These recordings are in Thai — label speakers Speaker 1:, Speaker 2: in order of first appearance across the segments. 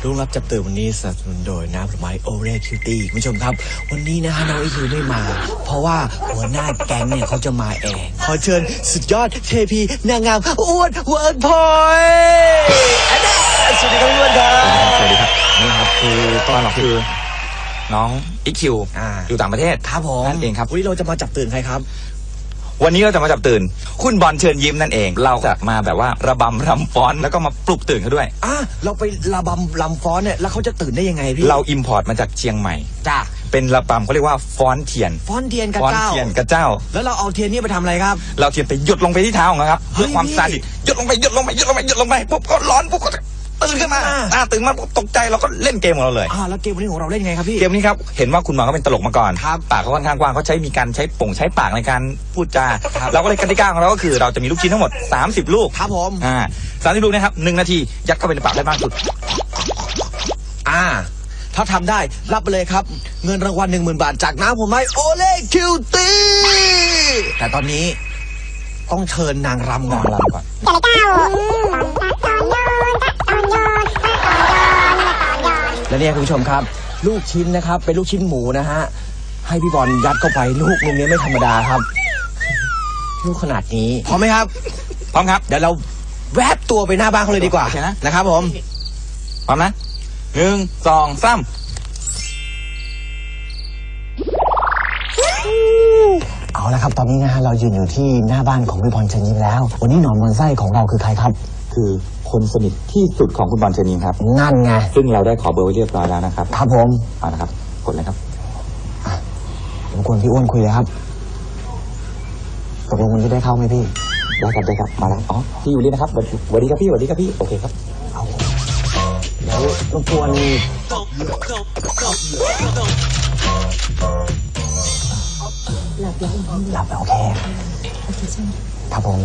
Speaker 1: รุ่งรับจับตื่นวันนี้สนับสนุนโดยน้ำผลไม้โอเรคิวตี้คุณผู้ชมครับวันนี้นะฮะน้องอีคิวไม่มาเพราะว่าหัวหน้าแก๊งเนี่ยเขาจะมาเองขอเชิญสุดยอดเทพีนางงามอ้วนเวิร์ดพอยสวัสดีครับพี่อ้วนครับ
Speaker 2: สวัสดีครับนี่ครับคือตอนเราคือน้องอีคิวอยู่ต่างประเทศ
Speaker 1: ครับผม
Speaker 2: นั่นเองครับ
Speaker 1: วันนี้เราจะมาจับตื่นใครครับ
Speaker 2: วันนี้เราจะมาจับตื่นคุณบอลเชิญยิ้มนั่นเองเราจะมาแบบว่าระบำรำฟ้อนแล้วก็มาปลุกตื่นเขาด้วย
Speaker 1: เราไประบำรำฟ้อนเนี่ยแล้วเขาจะตื่นได้ยังไงพี่
Speaker 2: เราอิมพอร์ตมาจากเชียงใหม่
Speaker 1: จ้า
Speaker 2: เป็นระบำเขาเรียกว่าฟ้อนเทียน
Speaker 1: กระเจ้าแล้วเราเอาเทียนนี่ไปทำอะไรครับ
Speaker 2: เราเทียนไปหยดลงไปที่เท้าของเขาครับเพื่อความซาดิสหยดลงไปปุ๊บก็ร้อนปุ๊บก็ตื่นขึ้นมาตื่นมาตกใจเราก็เล่นเกมของเราเลย
Speaker 1: แล้วเกมวันนี้ของเราเล่นไงครับพี่
Speaker 2: เกมนี้ครับเห็นว่าคุณหมอเขาเป็นตลกมาก่อนปากเขาค่อนข้างกว้างเขามีการใช้ปากในการพูดจาเราก็เลยกติกาของเราก็คือเราจะมีลูกชิ้นทั้งหมด30ลูก
Speaker 1: ครับผม
Speaker 2: 30ลูกนะครับ1นาทียัดเข้าไปในปากได้มากสุด
Speaker 1: ถ้าทำได้รับไปเลยครับเงินรางวัล 10,000 บาทจากน้ำผลไม้โอเล่คิวตี้แต่ตอนนี้ต้องเชิญนางรำก่อนและเนี่ยคุณผู้ชมครับลูกชิ้นนะครับเป็นลูกชิ้นหมูนะฮะให้พี่บอลยัดเข้าไปลูกนึงนี้ไม่ธรรมดาครับลูกขนาดนี้พร้อมไหมครับ
Speaker 2: พร้อมครับ
Speaker 1: เดี๋ยวเราแวบตัวไปหน้าบ้านเขาเลยดีกว่านะครับผม
Speaker 2: พร้อมนะ1 2 3
Speaker 1: เอาละครับตอนนี้นะฮะเรายืนอยู่ที่หน้าบ้านของพี่บอลเชิญยิ้มแล้ววันนี้หนอนบนไส้ของเราคือใครครับ
Speaker 2: คือคนสนิทที่สุดของคุณบอลเชิญยิ้มครับ
Speaker 1: นั่นไง
Speaker 2: ซึ่งเราได้ขอเบอร์ไว้เรียบร้อยแล้วนะครับ
Speaker 1: ครับผม
Speaker 2: เอาละครับกดเลยครับ
Speaker 1: ผมควรพี่อ้วนคุยเลยครับตกลงวันนี้ได้เข้าไหมพี่
Speaker 2: ได้ครับมาแล้วพี่อยู่นี่นะครับสวัสดีครับพี่โอเคครับ
Speaker 1: แล้วรบกวนหลับแล้วโอเคใช่ไหมครับผม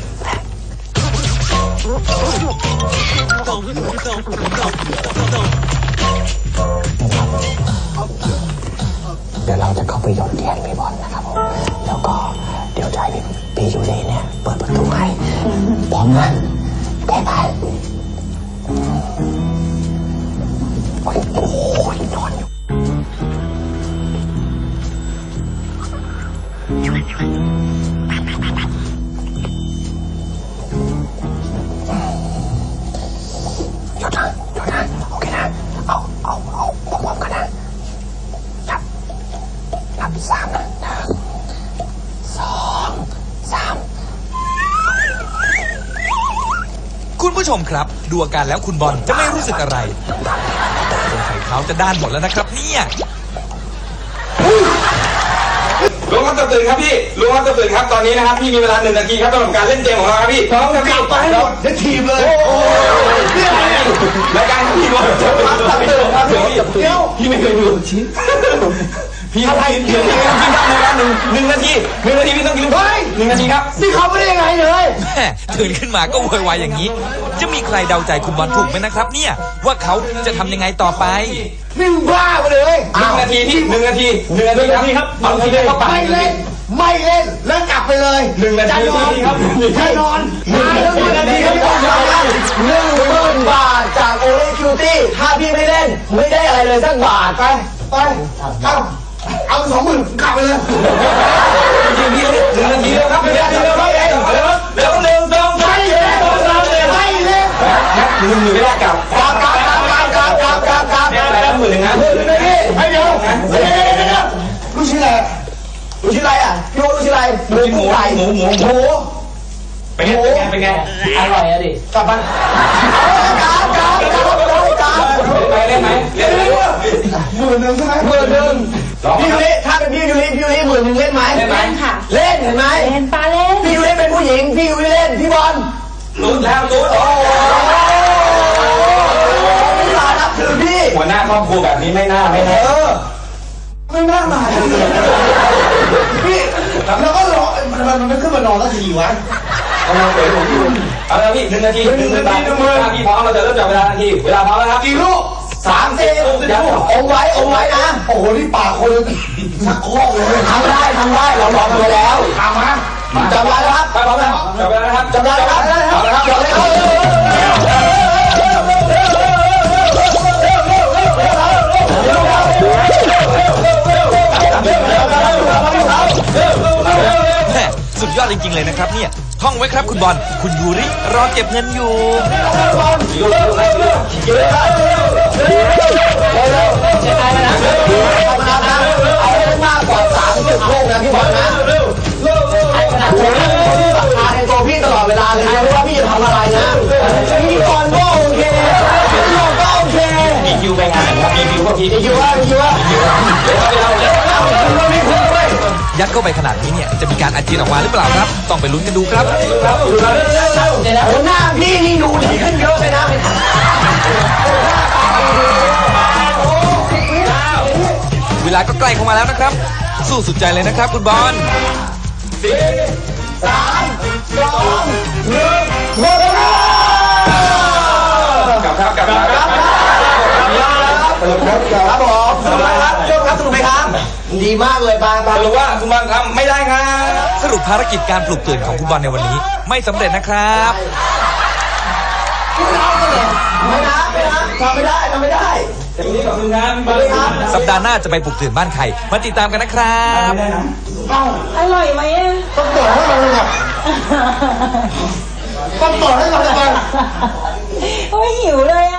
Speaker 1: เดี๋ยวเราจะเข้าไปหยดเทียนพี่บอลนะครับผมแล้วก็เดี๋ยวจะให้พี่ยูเล่เนี่ยเปิดประตูให้พร้อมนะแก้ไปโอ้ยนอนอยู่หยุดนะโอเคนะเอาพร้อมๆกันนะนับ3นะ1 2 3
Speaker 3: คุณผู้ชมครับดูอาการแล้วคุณบอลจะไม่รู้สึกอะไรสงสัยเขาจะด้านหมดแล้วนะครับเนี่ย
Speaker 2: ลุงครับตื่นครับพี่ลุงครับตื่นครับตอนนี้นะครับพี่มีเวลา1 นาทีครับสำหรับการเล่นเกมของเราครับพี่พร้อมครับพี่
Speaker 1: ไปให้หมดเดี๋ยวทีมเลย
Speaker 2: รายการพี่บอลจะมาตื่นครับพี่ไม่เคยดูชิ้นพี่อะไรเดี๋ยวนี้พี่ทำในเวลา1 นาทีพี่ต้องกินลูก1 นาทีครับ
Speaker 1: นี่เขาไม่ได้ยังไงเลย
Speaker 3: แม่ตื่นขึ้นมาก็โวยวายอย่างนี้จะมีใครเดาใจคุณบอลถูกไหมนะครับเนี่ยว่าเขาจะทำยังไงต่อไป
Speaker 1: นี่มึงบ้าไปเลย
Speaker 2: 1 นาทีที่1 นาทีครับเอาทีเดียว
Speaker 1: ไม่เล่นแล้วกลับไปเลย
Speaker 2: 1 นาทีครับ
Speaker 1: แน่นอน1 นาทีครับ10,000 บาทจากโอเล่คิวตี้ถ้าพี่ไม่เล่นไม่ได้อะไรเลยสักบาทไปเอา20,000กลับไปเลย
Speaker 2: พี่1 นาทีแล้วครับไม่ได้แล้ว1 2 3
Speaker 1: ไม่เล่น
Speaker 2: ไม่ได้กลับแล้ว10,000นะ
Speaker 1: ให้เดี๋ยวลูกชิ้นอะไรอ่ะพี่โอ๊ตลูกชิ้นอะไร
Speaker 2: หมูเป็นไง
Speaker 1: อร่อยอะดิกลับบ้าน
Speaker 2: ไปเล่นไหม
Speaker 1: 10,000ใช่ไหม10,000พี่ยูริถ้าเป็นพี่ยูริ10,000เล่นไหม
Speaker 4: เล่นค่ะ
Speaker 1: เล่นเห็นไหม
Speaker 4: เล่นป้าเล่น
Speaker 1: พี่ยูริเป็นผู้หญิงพี่ยูริเล่นพี่บอล
Speaker 2: ลุ้นแล้วลุ้น
Speaker 1: พี่บอลนับถือพี่
Speaker 2: หัวหน้าครอบครัวแบบนี้ไม่น่า
Speaker 1: ไม่น่ามาพี่แล้วก็รอมันไม่ขึ้นมานอนแล้วทีวะ
Speaker 2: กำลังเตะผมอยู่เอาละพี่1 นาที1 นาทีพี่พร้อมเราจะเริ่มจับเวลาทันทีเวลาพร้อมแล้วครับ
Speaker 1: กี่ลูก3 4องไว้นะโอ้โหนี่ปากคนชักโครกเลยทำได้เราลองไปแล้วทำมาจับเวลาแล้วครับ
Speaker 2: พร้อมแล้วจับเวลาแล้วครับ
Speaker 1: จับเวลาแล้วครับ
Speaker 3: จริงๆเลยนะครับเนี่ยท่องไว้ครับคุณบอลคุณยูริรอเก็บเงินอยู่
Speaker 2: เอาให้มากกว่า30ลูกนะพี่บอลนะราคาในตัวพี่ตลอดเวลาเลยนะไม่ว่าพี่จะทำอะไรนะพี่บอลก็โอเคพี่บอลก็โอเค
Speaker 3: มีคิวไปงานครับมีคิวก็พี
Speaker 2: พี่คิดว่า
Speaker 3: ยัดเข้าไปขนาดนี้เนี่ยจะมีการอาเจียนออกมาหรือเปล่าครับ ต้องไปลุ้นกันดูครับ
Speaker 2: หัวหน้าพี่นี่ดูดีขึ้นเยอะเลยนะ
Speaker 3: เวลาก็ใกล้เข้ามาแล้วนะครับ สู้สุดใจเลยนะครับคุณบอล
Speaker 2: หมดเวลาก
Speaker 3: ลับครับ
Speaker 2: ครับผมสนุกไหมครับเจ้าครับสนุกไหมครับดีมากเลยบาง
Speaker 3: สรุปว่าคุณบอลทำไม่ได้ครับ สรุปภารกิจการปลุกตื่นของคุณบอลในวันนี้ ไม่สำเร็จนะครับ
Speaker 2: ไม่นะทำไม่ได้
Speaker 3: สัปดาห์หน้าจะไปปลุกตื่นบ้านใครมาติดตามกันนะครับ
Speaker 4: อร่อยไหมอะ
Speaker 2: ต้องต่อให้มันเลยครับต้องต่อให้มันเลย
Speaker 4: โอ้ยหิวเลยอะ